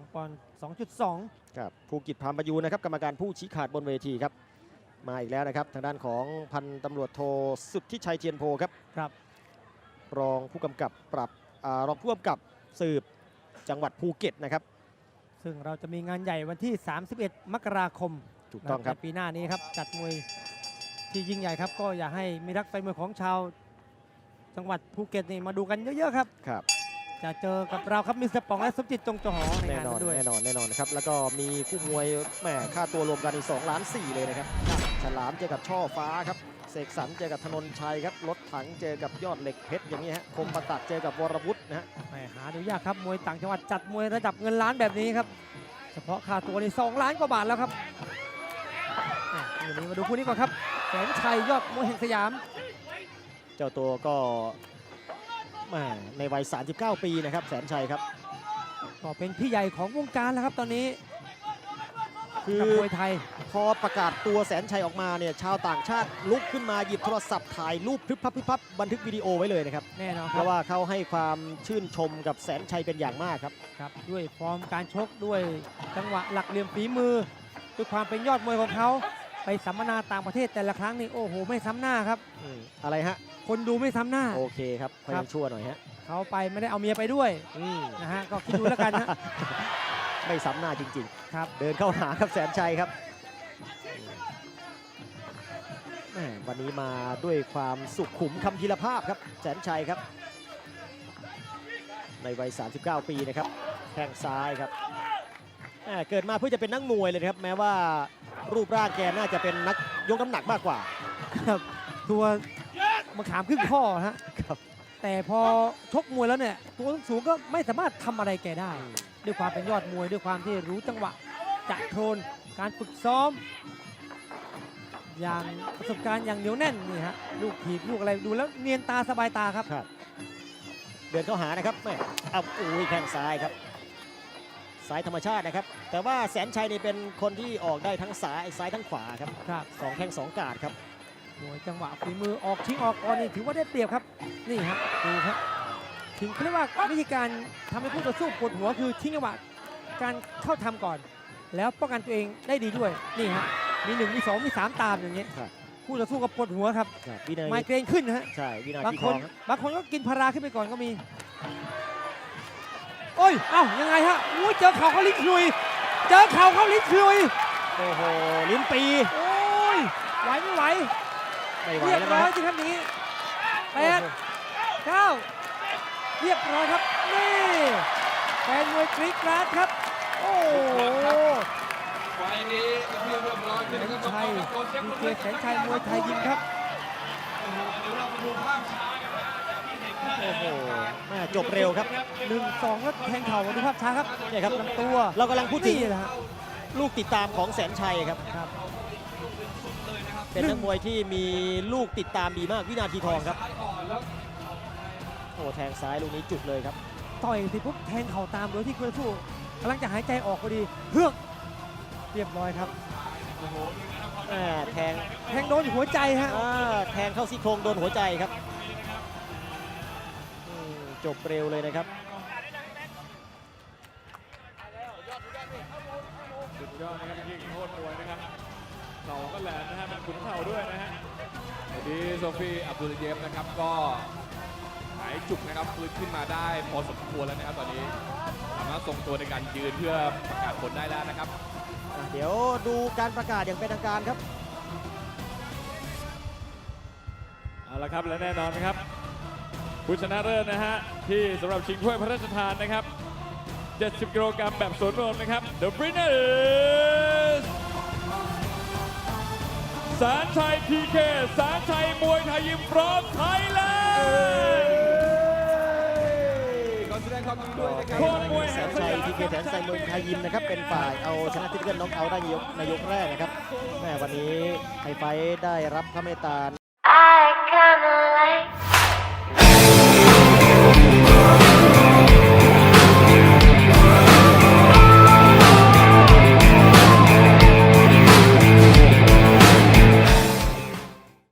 2 ปอนด์ 2.2 ครับภูกิจพามประยูนนะครับกรรมการผู้ชี้ขาดบนเวทีครับมาอีกแล้วนะครับทางด้านของพันตำรวจโทสุทธิชัยเทียนโพครับครับรองผู้กำกับรองผู้กำกับสืบจังหวัดภูเก็ตนะครับซึ่งเราจะมีงานใหญ่วันที่ 31 มกราคมถูกต้องครับในปีหน้านี้ครับจัดมวยที่ยิ่งใหญ่ครับก็อยากให้มีรักแฟนมวยของชาวจังหวัดภูเก็ตนี่มาดูกันเยอะๆครับครับจะเจอกับเราครับมิสเตอร์ป๋องและสมจิตจงจอหอในแน่งานนอนนั้นด้วยแน่นอนนะครับแล้วก็มีคู่มวยแหมค่าตัวรวมกันอีก2.4 ล้านเลยนะครับฉลามเจอกับช่อฟ้าครับเสกสรรเจอกับธนนชัยครับรถถังเจอกับยอดเหล็กเพชรอย่างนี้ฮะคมประตักเจอกับวรวุฒินะฮะไม่หาดูยากครับมวยต่างจังหวัดจัดมวยระดับเงินล้านแบบนี้ครับเฉพาะค่าตัวนี่2 ล้านกว่าบาทแล้วครับวันนี้มาดูคู่นี้ก่อนครับแสนชัยยอดมวยแห่งสยามเจ้าตัวก็แหมในวัย 39 ปีนะครับแสนชัยครับก็เป็นพี่ใหญ่ของวงการแล้วครับตอนนี้คือกับมวยไทยพอประกาศตัวแสนชัยออกมาเนี่ยชาวต่างชาติลุกขึ้นมาหยิบโทรศัพท์ถ่ายรูปพรึบพรับบันทึกวิดีโอไว้เลยนะครับแน่นอนเพครับราะว่าเขาให้ความชื่นชมกับแสนชัยเป็นอย่างมากครับครับด้วยฟอร์มการชกด้วยจังหวะหลักเหลี่ยมฝีมือด้วยความเป็นยอดมวยของเขาไปสัมมนาต่างประเทศแต่ละครั้งนี่โอ้โหไม่ซ้ำหน้าครับอะไรฮะคนดูไม่ซ้ำหน้าโอเคครับพยายามชั่วหน่อยฮะเขาไปไม่ได้เอาเมียไปด้วยนะฮะก็คิดดูแล้วกันนะไม่ซ้ำหน้าจริงครับๆ เดินเข้าหาครับแสนชัยครับแหม่วันนี้มาด้วยความสุขุมคำพีรภาพครับแสนชัยครับในวัย 39 ปีนะครับแข้งซ้ายครับแหม่เกิดมาเพื่อจะเป็นนักมวยเลยนะครับแม้ว่ารูปร่างแกน่าจะเป็นนักยกน้ำหนักมากกว่าครับตัวมะขามครึ่งข้อฮะครับแต่พอชกมวยแล้วเนี่ยตัวสูงก็ไม่สามารถทำอะไรแกได้ ด้วยความเป็นยอดมวยด้วยความที่รู้จังหวะจะโทนการฝึกซ้อม อย่างประสบการณ์อย่างเหนียวแน่นนี่ฮะลูกถีบลูกอะไรดูแล้วเนียนตาสบายตาครับครับเดินเข้าหานะครับแม่เอาอุ้ยแข้งซ้ายครับซ้ายธรรมชาตินะครับแต่ว่าแสนชัยนี่เป็นคนที่ออกได้ทั้งซ้ายทั้งขวาครับครับสองแข้งสองกาดครับมวยจังหวะฝีมือออกชิงออกก่อนนี่ถือว่าได้เปรียบครับนี่ฮะดูครับถึงเขาเรียกว่าวิธีการทำให้ผู้ต่อสู้ปวดหัวคือทิ้งจังหวะการเข้าทำก่อน แล้วป้องกันตัวเองได้ดีด้วยนี่ฮะมี1มี2มี3ตามอย่างเงี้ยครับผู้ต่อสู้ก็ปวดหัวครับวินาไมทีเกรนขึ้นนะฮะใช่วินาบางทีคทอน งครับบางคนก็กินพาราขึ้นไปก่อนก็มีโอ้ยเอ้ายังไงฮะอู้เจอเข่าเขาลิ้นคุยเจอเข่าเขาลิ้นคุยโอ้โหลิ้นปีโอ้ยไหวไม่ไหวไม่ไหวเรียบแล้วร้นะอยจริงครับนี้8 9เรียบร้อยครับนี่แฟนมวยกรี๊ดกราดครับโอ้โหไฟนี้เรียบร้อยแสนชัยดีเจแสนชัยมวยไทยยิมครับโอ้โหแม่จบเร็วครับ 1-2แล้วแทงเข่าดูภาพช้าครับเนี่ยครับลำตัวเรากำลังพูดถึงนี่แหละฮะลูกติดตามของแสนชัยครับครับเป็นนักมวยที่มีลูกติดตามดีมากวินาทีทองครับโอ้แทงซ้ายลูกนี้จุดเลยครับต่อยทีปุ๊บแทงเข่าตามโดยที่คู่ต่อสู้กำลังจะหายใจออกพอดีเฮือกเรียบร้อยครับแทงแทงโดนหัวใจฮะแทงเข้าซี่โครงโดนหัวใจครับจบเร็วเลยนะครับสุดยอดนะครับยิงโคตรมวยนะครับเข่าก็แหลมนะฮะเป็นขุนเข่าด้วยนะฮะดีโซฟีอับดุลเยมนะครับก็หายจุกนะครับฟื้นขึ้นมาได้พอสมควรแล้วนะครับตอนนี้สามารถทรงตัวในการยืนเพื่อประกาศผลได้แล้วนะครับเดี๋ยวดูการประกาศอย่างเป็นทางการครับเอาละครับและแน่นอนนะครับผู้ชนะเลิศนะฮะที่สำหรับชิงถ้วยพระราชทานนะครับ70 กิโลกรัมแบบสวนรวมนะครับ The winner is แสนชัย PK แสนชัยมวยไทยยิมพร้อมไทยแลนด์ขอแสดงความยินดีด้วยนะครับโคตรมวยแสแห่งนสชัยยามทีเคแสนชัยมวยไทยยิมนะครับเป็นฝ่ายเอาชนะทิพย์เกิลน็อกเอาท์ได้ในยกแรกนะครับแม่วันนี้ไฮไฟท์ได้รับพระเมตตา